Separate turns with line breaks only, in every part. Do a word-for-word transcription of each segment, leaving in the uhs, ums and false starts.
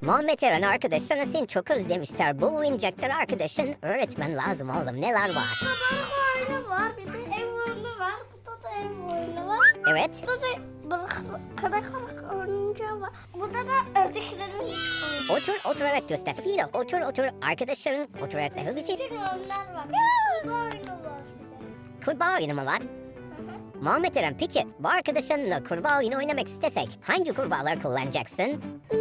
Muhammed Eren arkadaşlarına seni çok özlemişler. Bu oyuncaklar arkadaşın öğretmen lazım oğlum. Neler var?
Balık oyunu var, bir de ev oyunu var. Burada da ev oyunu var.
Evet.
Burada da balık, kara kara oyuncağı var. Burada da ördeklerin oyunu.
Otur oturarak göster. Filo otur otur. Arkadaşların oturarak yapabilecek.
Bir oyunlar var. Kurbağa oyunu var.
Kurbağa oyunu mu var? Muhammed Eren peki bu arkadaşlarınla kurbağa oyunu oynamak istesek hangi kurbağalar kullanacaksın?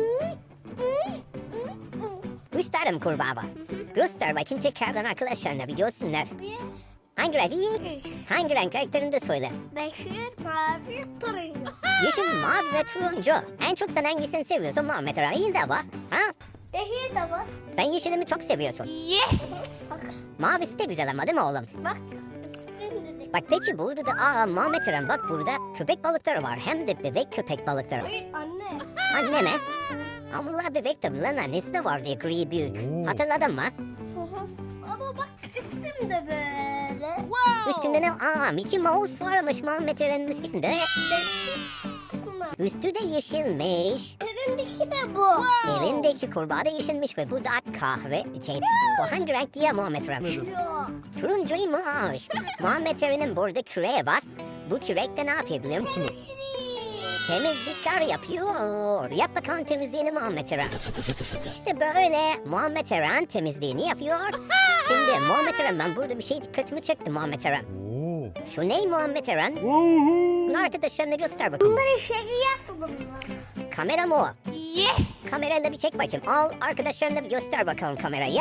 Gösterim kurbağa var. Göster bakayım tekrardan arkadaşlarına bir görsünler.
Bir,
Hangi renk?
üç,
Hangi renk karakterini de söyle.
yeşil, mavi, turuncu.
Yeşil, mavi ve turuncu. En çok sen hangisini seviyorsun Muhammed Eren? İyi de var. Ha?
Yeşil de var.
Sen yeşili mi çok seviyorsun?
Yes. Bak,
Mavisi de güzel ama değil mi oğlum?
bak. Üstün dedik.
Bak peki burada da aa Muhammed Eren bak burada köpek balıkları var. Hem de bebek köpek balıkları.
Hayır anne.
Anne mi? Ama bunlar bebek tabi lan annesi de var diye gri büyük. Hatırladın mı?
Hı hı. Ama bak üstüm de böyle.
Üstünde ne? Aa Mickey Mouse varmış Muhammed Eren'in üstünde.
Bunlar.
Üstü de yeşilmiş.
Elindeki de bu.
Elindeki kurbağa da yeşilmiş ve bu da kahve. Şey, bu hangi renk diye Muhammed Eren?
Yok.
Turuncuymuş. Muhammed Eren'in burada küreği var. Bu kürekte ne yapıyor biliyor musunuz? Temizlikler yapıyor. Yap bakalım temizliğini Muhammed Eren. İşte böyle Muhammed Eren temizliğini yapıyor. Şimdi Muhammed Eren ben burada bir şey dikkatimi çekti Muhammed Eren. Şu ne Muhammed Eren? Bunu arkadaşlarına göster bakayım.
Bunları şeker bunlar.
Kamera mı o?
Yes.
Kamerayla bir çek bakayım. Al arkadaşlarına bir göster bakalım kamerayı.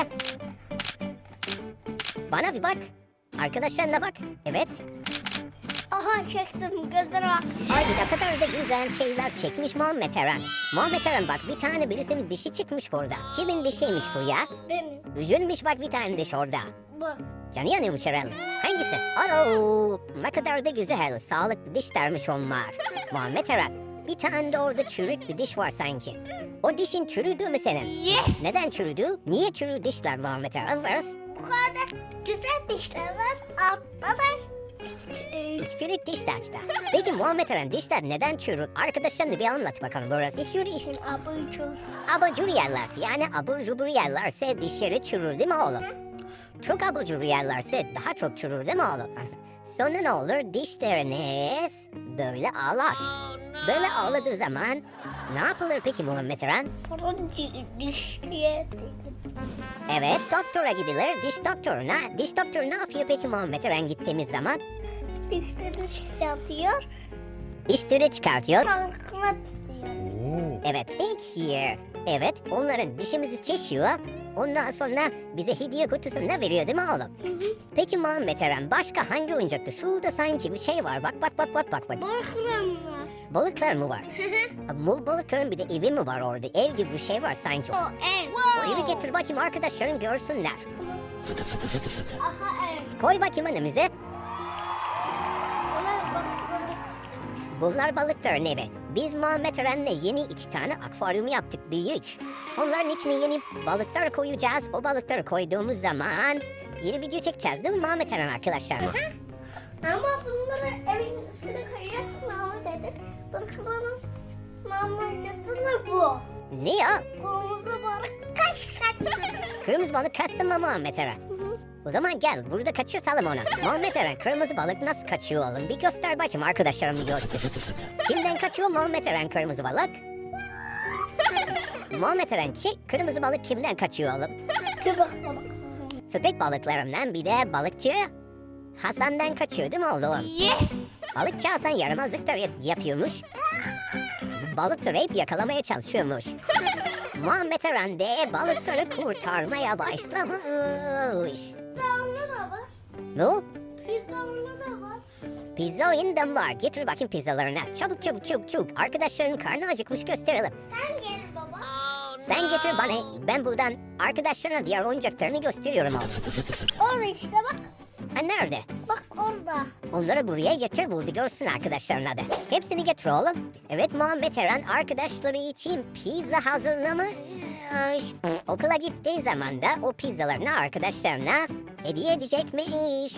Bana bir bak. Arkadaşlarına bak. Evet.
Aha çektim gözüne bak.
Ay ne kadar da güzel şeyler çekmiş Muhammed Eren. Muhammed Eren bak bir tane birisinin dişi çıkmış burada. Kimin dişiymiş bu ya?
Benim.
Üzülmüş bak bir tane diş orada.
Bu.
Canı yanıyormuş Eren. Hangisi? Alo. Ne kadar da güzel. Sağlıklı dişlermiş onlar. Muhammed Eren. Bir tane de orada çürük bir diş var sanki. O dişin çürüdü mü senin?
Yes.
Neden çürüdü? Niye çürü dişler Muhammed Eren? Varız.
Yukarıda güzel dişler var. Altta da e,
Çürük dişler işte. Peki Muhammed Eren dişler neden çürür? Arkadaşlarına bir anlat bakalım burası. Yürü.
abucu.
Abur yerlerse yani abur cubur yerlerse dişleri çürür değil mi oğlum? Çok abur cubur yerlerse daha çok çürür değil mi oğlum? Sonra ne olur dişleriniz böyle ağlar. Böyle ağladığı zaman ne yapılır peki Muhammed Eren?
Bunun dişliye
Evet doktora gidilir diş doktoruna. Diş doktoru ne yapıyor peki Muhammed Eren gittiğimiz zaman?
dişleri çıkartıyor.
Dişleri çıkartıyor.
Tankına tutuyor.
Evet peki. Evet onların dişimizi çekiyor. Ondan sonra bize hediye kutusunda veriyor değil mi oğlum? Peki Muhammed Eren başka hangi oyuncaktı? Şurada sanki bir şey var. Bak bak bak bak bak bak.
Balıklarım var.
Balıklar mı var? Bu balıkların bir de evi mi var orada? Ev gibi bir şey var sanki.
O ev.
O evi getir bakayım arkadaşların görsünler.
Aha ev.
Koy bakayım önümüze.
Bunlar balıkları.
Bunlar balıkların evi. Biz Muhammed Eren'le yeni iki tane akvaryum yaptık büyük. Onların içine yeni balıklar koyacağız. O balıkları koyduğumuz zaman yeni video çekeceğiz değil mi Muhammed Eren arkadaşlar?
Ama bunları evin üstüne koyuyorsun ama dedi. Balıkların mamacası bu.
Ne ya?
Kırmızı balık kaç kaç.
Kırmızı balık kaçsın mı Muhammed Eren? O zaman gel burada kaçırtalım onu. Muhammed Eren kırmızı balık nasıl kaçıyor oğlum? Bir göster bakayım arkadaşlarım bir görsün. Kimden kaçıyor Muhammed Eren kırmızı balık? Muhammed Eren ki kırmızı balık kimden kaçıyor oğlum?
Köpek balık.
Köpek balıklarından bir de balıkçı Hasan'dan kaçıyor değil mi oğlum?
Yes.
Balıkçı Hasan yaramazlıklar yap- yapıyormuş. Balıkları hep yakalamaya çalışıyormuş. Muhammed Eren de balıkları kurtarmaya başlamış.
Pizzanlı da var.
Ne?
Pizzanlı da var.
Pizza oyundan var. Getir bakayım pizzalarını. Çabuk çabuk çabuk çabuk. Arkadaşların karnı acıkmış gösterelim.
Sen gel baba.
Sen getir bana. Ben buradan arkadaşlarına diğer oyuncaklarını gösteriyorum oğlum.
Orada işte bak.
Ha nerede?
Bak orada.
Onları buraya getir burada görsün arkadaşlarına da. Hepsini getir oğlum. Evet Muhammed Eren arkadaşları için pizza hazırlamış. Okula gittiği zaman da o pizzalarını arkadaşlarına hediye edecekmiş.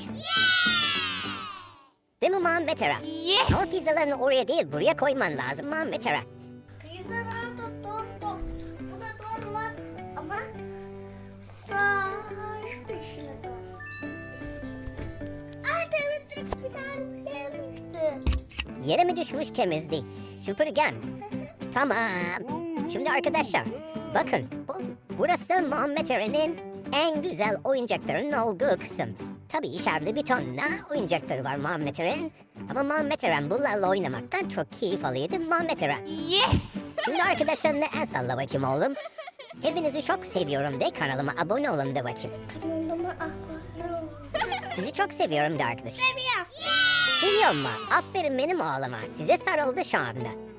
Değil mi Muhammed Eren?
Yes.
Ama pizzalarını oraya değil buraya koyman lazım Muhammed Eren.
Pizzalar da dört dört. Bu da dört
Yere mi düşmüş temizlik? Süpürgen. Tamam. Şimdi arkadaşlar bakın bu, burası Muhammed Eren'in en güzel oyuncakların olduğu kısım. Tabii içeride bir tonla oyuncakları var Muhammed Eren'in. Ama Muhammed Eren bunlarla oynamaktan çok keyif alıyordu Muhammed Eren.
Yes.
Şimdi arkadaşlarına el salla bakayım oğlum. Hepinizi çok seviyorum de kanalıma abone olun de bakayım.
Kanalıma abone ol.
Sizi çok seviyorum de arkadaşlar.
Seviyorum.
Seviyor mu? Aferin benim oğluma. Size sarıldı şu anda.